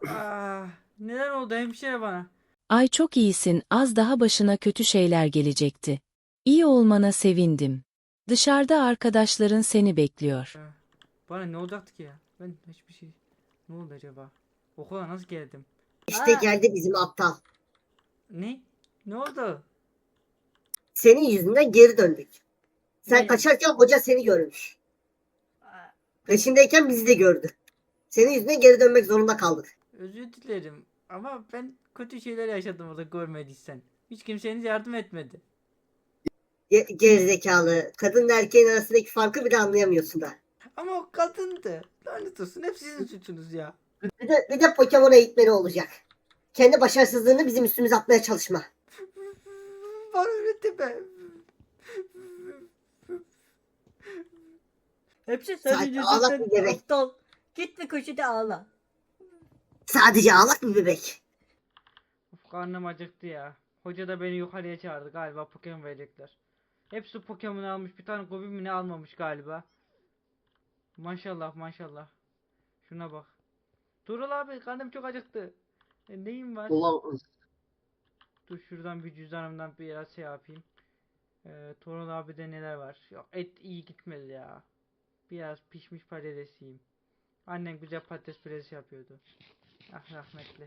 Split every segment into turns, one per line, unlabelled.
Ah, neler oldu hemşire bana?
Ay çok iyisin, az daha başına kötü şeyler gelecekti. İyi olmana sevindim. Dışarıda arkadaşların seni bekliyor.
Bana ne olacaktı ki ya? Ben hiçbir şey... Ne oldu acaba? Okula nasıl geldim?
İşte
Aa,
geldi bizim aptal.
ne? Ne oldu?
Senin yüzünden geri döndük. Sen
Ne?
kaçarken hoca seni görmüş.
Aa,
Peşindeyken bizi de gördü. Senin yüzünden geri dönmek zorunda kaldık.
özür dilerim. Ama ben kötü şeyler yaşadım orada görmediysen. Hiç kimseniz yardım etmedi.
Gerizekalı. Kadınla erkeğin arasındaki farkı bile anlayamıyorsun da.
Ama o kadındı. Lanet olsun. Hep sizin suçunuz ya.
Bir de Pokemon eğitmeni olacak. Kendi başarısızlığını bizim üstümüze atmaya çalışma.
Bana öğretme.
Hepsi senin
Sadece ağlak
yüzünden
bir bebek.
aptal. Git bir köşede ağla.
Sadece ağlak bir bebek.
Of, karnım acıktı ya. Hoca da beni yukarıya çağırdı. Galiba Pokemon verecekler. Hepsi Pokemon almış. Bir tane Gobi mi ne almamış galiba. Maşallah maşallah. Şuna bak. Tuğrul abi karnım çok acıktı. Neyim var?
Ulan
Dur şuradan bir cüzdanımdan biraz şey yapayım. Tuğrul abi de neler var? Yok, et iyi gitmedi ya. Biraz pişmiş patates yiyeyim. Annem güzel patates püresi yapıyordu. Ah rahmetli.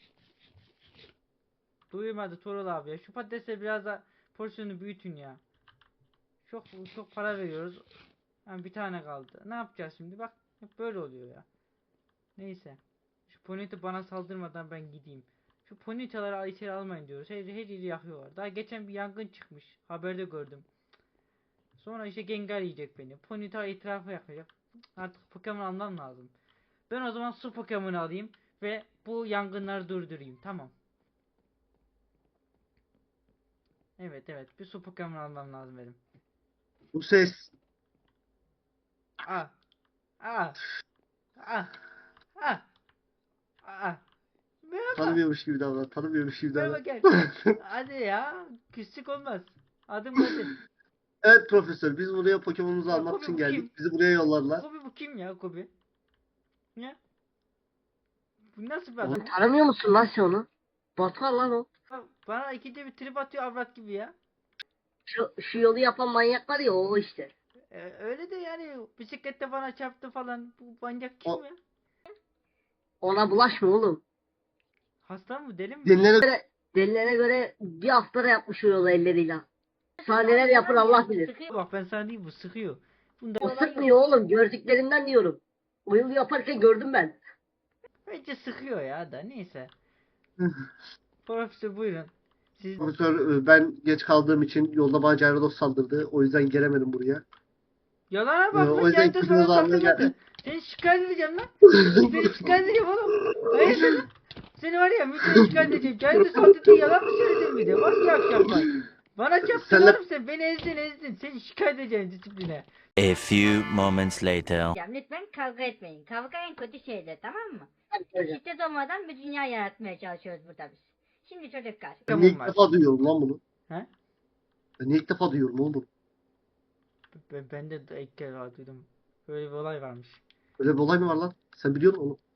Duymadı Tuğrul abi ya. Şu patatesle biraz da porsiyonu büyütün ya. Çok çok para veriyoruz. Yani bir tane kaldı. Ne yapacağız şimdi? Bak hep böyle oluyor ya. Neyse. Şu Ponyta bana saldırmadan ben gideyim. Şu Ponytaları içeri almayın diyoruz. Her yeri yakıyorlar. Daha geçen bir yangın çıkmış. Haberde gördüm. Sonra işte Gengar yiyecek beni. Ponyta etrafı yakacak. Artık Pokemon almam lazım. Ben o zaman su Pokemon'u alayım ve bu yangınları durdurayım. Tamam. Evet evet. Bir su Pokemon almam lazım benim.
Bu ses
Ah. Ah. Ah. Ah. Ah. Merhaba.
tanımıyormuş gibi davran. Tanımıyormuş gibi
Merhaba
davran.
gel. Hadi ya. Küslük olmaz. Adım Kadir.
Evet profesör, biz buraya Pokemon'umuzu
Ya
almak
Kobi
için
bu
geldik.
kim?
Bizi buraya yollarlar.
Kobi bu kim ya Kobi? Ne? Bu nasıl bir
Oğlum,
adam ya?
Tanımıyor musun lan sen onu? Batar lan o.
Bana ikide bir trip atıyor avrat gibi ya.
Şu yolu yapan manyak var ya o işte.
Öyle de yani bisiklette bana çarptı falan. Bu manyak kim
O
ya?
Ona bulaşma oğlum.
Hasta mı deli mi?
dinlene
Delilere göre bir haftada yapmış o yolu elleriyle. Daha neler yapar Allah bilir.
Bak ben sana diyeyim bu sıkıyor. Bunda
O sıkmıyor oğlum. Gördüklerinden diyorum. O yolu yaparken gördüm ben.
bence sıkıyor ya da neyse. Profesör buyurun. Siz
profesör, ben geç kaldığım için yolda bana Gyarados saldırdı. O yüzden gelemedim buraya.
yalana bak
O
lan
yüzden
Cahit sana
Kıbrıs'ı almaya
saldırmadı.
geldim.
Seni şikayet edeceğim lan. Seni şikayet edeceğim oğlum. Hayırdır lan? Seni var ya müdüre şikayet edeceğim. Cahit'e saldırdı yalan mı söyledin bir de? Bak yavşak bak. Bana çarptın
Senle
oğlum sen. Beni ezdin. Seni şikayet edeceğim disipline.
A few moments later.
Lütfen kavga etmeyin. Kavga en kötü şeydir, tamam mı?
Hocam.
Şiddet olmadan bir dünya yaratmaya çalışıyoruz burada biz. Şimdi çocuklar.
ben niye ilk
Var.
defa duyuyorum lan bunu?
He?
Ben niye ilk defa duyuyorum oğlum?
Ben de ilk kez duydum. Böyle bir olay varmış.
Öyle bir olay mı var lan? Sen biliyor musun onu?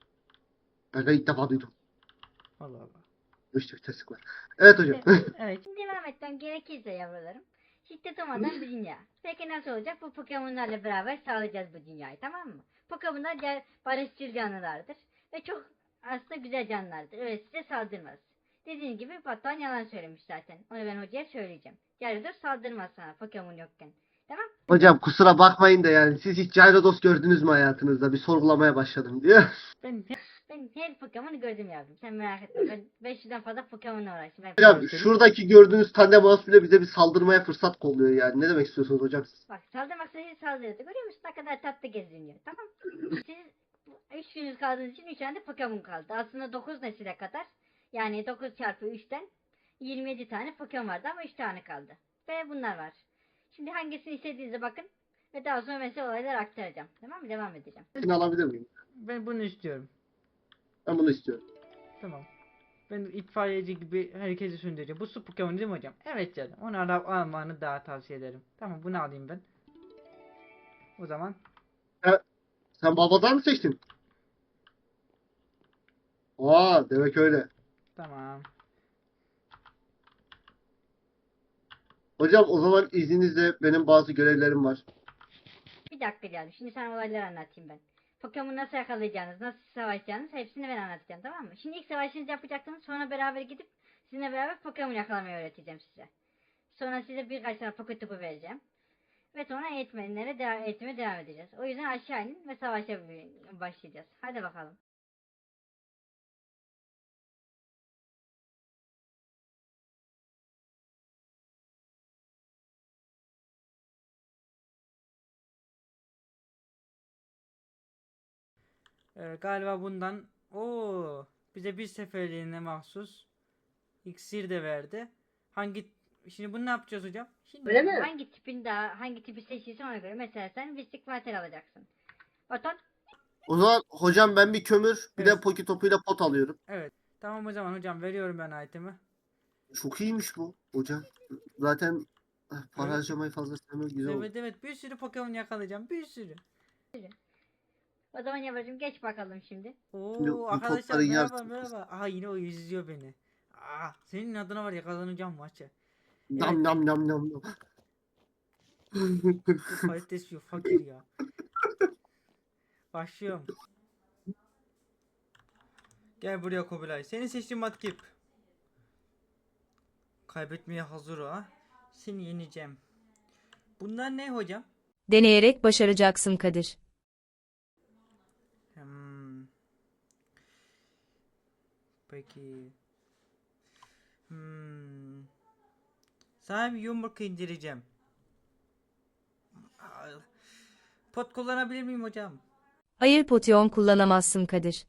Ben ilk defa duydum.
Allah Allah.
İşte bir terslik var. Evet hocam.
Evet.
Şimdi devam etmem gerekirse yavrularım. Şiddet olmadan bir dünya. Peki nasıl olacak? Bu Pokemon'larla beraber sağlayacağız bu dünyayı, tamam mı? Pokemon'lar barışçıl canlılardır. Ve çok aslında güzel canlılardır. Öyle size saldırmaz. Dediğim gibi Batuhan yalan söylemiş zaten. Onu ben hocaya söyleyeceğim. Gyarados saldırmaz sana Pokemon yokken. Tamam?
Hocam kusura bakmayın da yani siz hiç Gyarados gördünüz mü hayatınızda? Bir sorgulamaya başladım diyor.
Ben
Ben her Pokemon'u gördüm yavrum. Sen merak etme. Ben 500'den fazla Pokemon'la uğraştım.
Hocam şuradaki gördüğünüz Tandemaus bile bize bir saldırmaya fırsat kolluyor yani. Ne demek istiyorsunuz hocam siz?
Bak saldırmak istediği saldırıyordu. Görüyor musun? Ne kadar tatlı geziniyor. Tamam. Siz 3 günüz kaldığınız için 3 tane de Pokemon kaldı. Aslında 9 nesile kadar. Yani 9 çarpı 3'ten 27 tane Pokemon vardı ama 3 tane kaldı. Ve bunlar var. Şimdi hangisini istediğinize bakın. Ve daha sonra mesela olayları aktaracağım. Tamam mı? Devam edeceğim.
Şunu alabilir miyim?
ben bunu istiyorum.
Ben bunu istiyorum.
Tamam. Ben itfaiyeci gibi herkesi söndüreceğim. Bu su Pokemon değil mi hocam? Evet canım. Onu almanı daha tavsiye ederim. Tamam bunu alayım ben. O zaman
Sen babadan mı seçtin? Aa, demek öyle.
Tamam.
Hocam o zaman izninizle benim bazı görevlerim var.
Bir dakika canım. Şimdi sana olayları anlatayım ben. Pokemon'u nasıl yakalayacağınız, nasıl savaşacağınız hepsini ben anlatacağım, tamam mı? Şimdi ilk savaşınızı yapacaksınız, sonra beraber gidip sizinle beraber Pokemon yakalamayı öğreteceğim size. Sonra size birkaç tane Pokétopu vereceğim. Ve sonra eğitmeye devam edeceğiz. O yüzden aşağı inin ve savaşa başlayacağız. Hadi bakalım.
Galiba bundan bize bir seferliğine mahsus iksir de verdi. Şimdi bunu ne yapacağız hocam? Şimdi
Öyle mi?
Hangi tipi seçilse ona göre. Mesela sen Mystic Water alacaksın. Batan
O zaman hocam ben bir kömür, bir de
Evet.
poki topuyla pot alıyorum.
Evet. Tamam o zaman hocam veriyorum ben itemi.
Çok iyiymiş bu hocam. Zaten para
Evet.
harcamayı fazla sevmem, güzel oldu.
Evet evet bir sürü Pokemon yakalayacağım. Bir sürü.
o zaman yavrucuğum geç bakalım şimdi.
Şimdi bu
Arkadaşlar
topların
merhaba
yarısı.
merhaba. Aha yine o izliyor beni. Senin adına var ya kazanacağım maçı.
Nam nam nam nam nam.
Bu kalitesi yok fakir ya. Başlıyorum. Gel buraya Kubilay. Seni seçtim Matkip. Kaybetmeye hazır o ha. Seni yeneceğim. Bunlar ne hocam?
Deneyerek başaracaksın Kadir.
Hmm. Peki. Sana bir yumruk indireceğim. Pot kullanabilir miyim hocam?
Hayır potion kullanamazsın Kadir.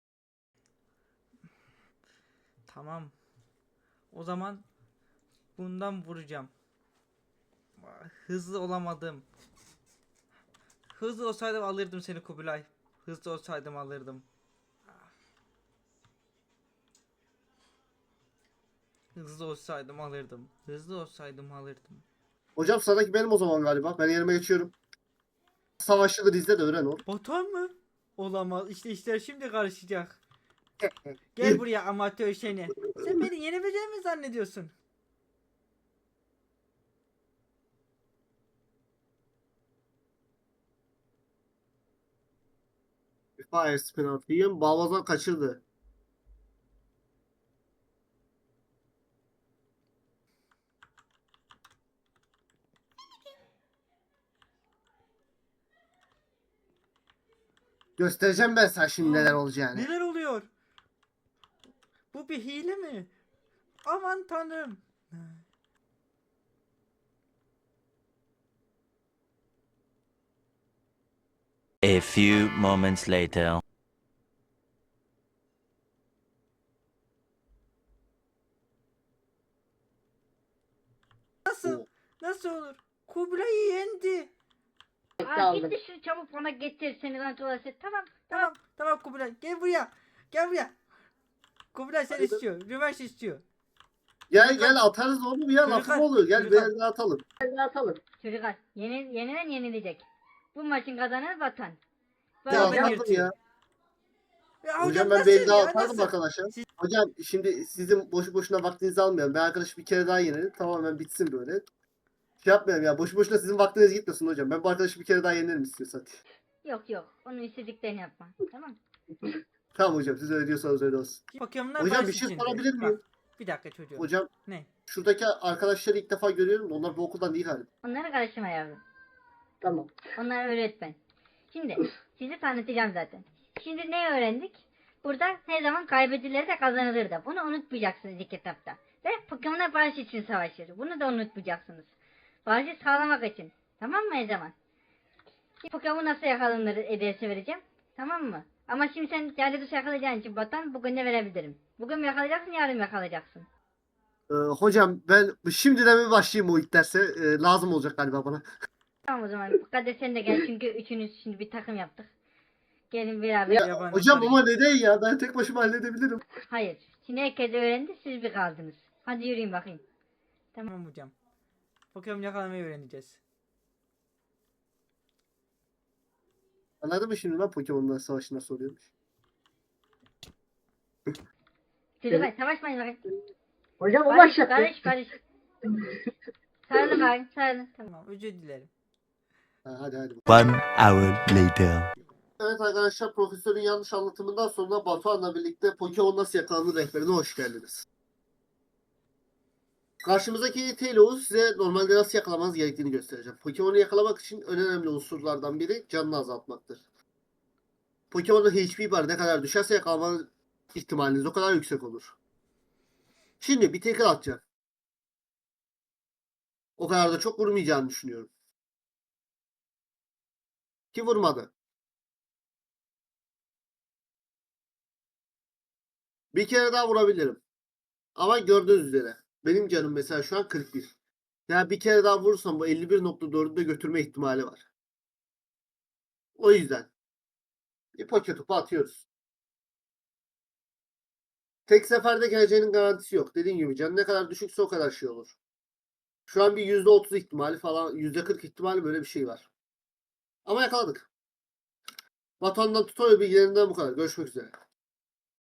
Tamam. O zaman bundan vuracağım. Hızlı olamadım. Hızlı olsaydım alırdım seni Kubilay. Hızlı olsaydım alırdım. Hızlı olsaydım alırdım. Hızlı olsaydım alırdım.
Hocam sıradaki benim o zaman galiba. Ben yerime geçiyorum. Savaşçıları izle de öğren ol.
Batuhan mı? Olamaz. İşte işler şimdi karışacak. Gel buraya amatör seni. Sen beni yenebileceğimi mi zannediyorsun?
Fire spin atayım. Balvazan kaçırdı. Göstereceğim ben sana şimdi neler olacağını.
Neler oluyor? Bu bir hile mi? Aman tanrım.
A few moments later.
Nasıl? Nasıl olur? Kubilay'ı yendi.
Aldım.
Git de şunu çabuk bana getir seni lan tuvalete. Tamam.
Tamam Kubilay. Gel buraya. Gel buraya. Kubilay seni
Haydi.
istiyor. Rövanş istiyor.
Gel atarız oğlum ya,
Çocuklar,
lafım olur. Gel
çocuklar.
bir atalım.
Hadi atalım.
Çocuklar yenilen yenilecek. Bu maçın kazananı Vatan.
Ya
Beraber
atalım
yırtıyor.
ya.
Ya
Hocam ben
nasıl
bir daha
ya,
atardım
nasıl?
arkadaşlar. Hocam şimdi sizin boşu boşuna vaktinizi almayalım. Ben arkadaşı bir kere daha yenelim. Tamamen bitsin böyle. Şey yapmayalım ya. Boşu boşuna sizin vaktiniz gitmesin hocam. Ben bu arkadaşı bir kere daha yenerim istiyorsan.
Yok. Onun istediklerini yapma. Tamam.
Tamam hocam, siz öyle diyorsanız öyle olsun.
Pokemon'lar
Hocam
barış
bir şey
içinde.
sorabilir miyim?
Bak, bir dakika çocuğum.
Hocam
Ne?
şuradaki arkadaşları ilk defa görüyorum da onlar bu okuldan değil galiba.
Onlara karışma yavrum.
Tamam.
Onlar öğretmen. Şimdi sizi tanıtacağım zaten. Şimdi ne öğrendik? Burada her zaman kaybedilir de kazanılır da. Bunu unutmayacaksınız ilk etapta. Ve Pokemon'a barış için savaşır. Bunu da unutmayacaksınız. Barışı sağlamak için. Tamam mı her zaman? Şimdi Pokemon nasıl yakalanır dersi vereceğim. Tamam mı? Ama şimdi sen değerli dışı yakalayacağın için Batan bugün de verebilirim. Bugün mü yakalayacaksın, yarın mı yakalayacaksın?
Hocam ben şimdiden bir başlayayım o ilk derse. Lazım olacak galiba bana.
Tamam o zaman. Kadir sen de gel çünkü üçünüz şimdi bir takım yaptık. Gelin beraber.
Ya,
Yabancı
hocam
sarı
ama neden ya? Ben tek başıma halledebilirim.
Hayır. Şimdi herkes öğrendi, siz bir kaldınız. Hadi yürüyün bakayım.
Tamam hocam. Pokemon yakalamayı öğreneceğiz.
Anladın mı şimdi lan Pokemon'la savaşı nasıl oluyormuş?
Çocuklar savaşmayın bakayım.
Hocam o
Barış,
başlattı.
barış. Sarılın bakayım, sarılın. Tamam.
Tamam, özür dilerim.
Hadi.
1 hour later.
Evet arkadaşlar, profesörün yanlış anlatımından sonra Batuhan'la birlikte Pokemon nasıl yakalanır rehberine hoş geldiniz. Karşımızdaki Taillow size normalde nasıl yakalamanız gerektiğini göstereceğim. Pokemon'u yakalamak için en önemli unsurlardan biri canını azaltmaktır. Pokemon'un HP barı ne kadar düşerse yakalama ihtimaliniz o kadar yüksek olur. Şimdi bir tackle atacağım. O kadar da çok vurmayacağını düşünüyorum. Ki vurmadı. Bir kere daha vurabilirim. Ama gördüğünüz üzere benim canım mesela şu an 41. Yani bir kere daha vurursam bu 51.4'ü de götürme ihtimali var. O yüzden bir poke topu atıyoruz. Tek seferde geleceğinin garantisi yok. Dediğim gibi can ne kadar düşükse o kadar şey olur. Şu an bir %30 ihtimali falan, %40 ihtimali böyle bir şey var. Ama yakaladık. Batuhan'dan tutorial bilgilerinden bu kadar. Görüşmek üzere.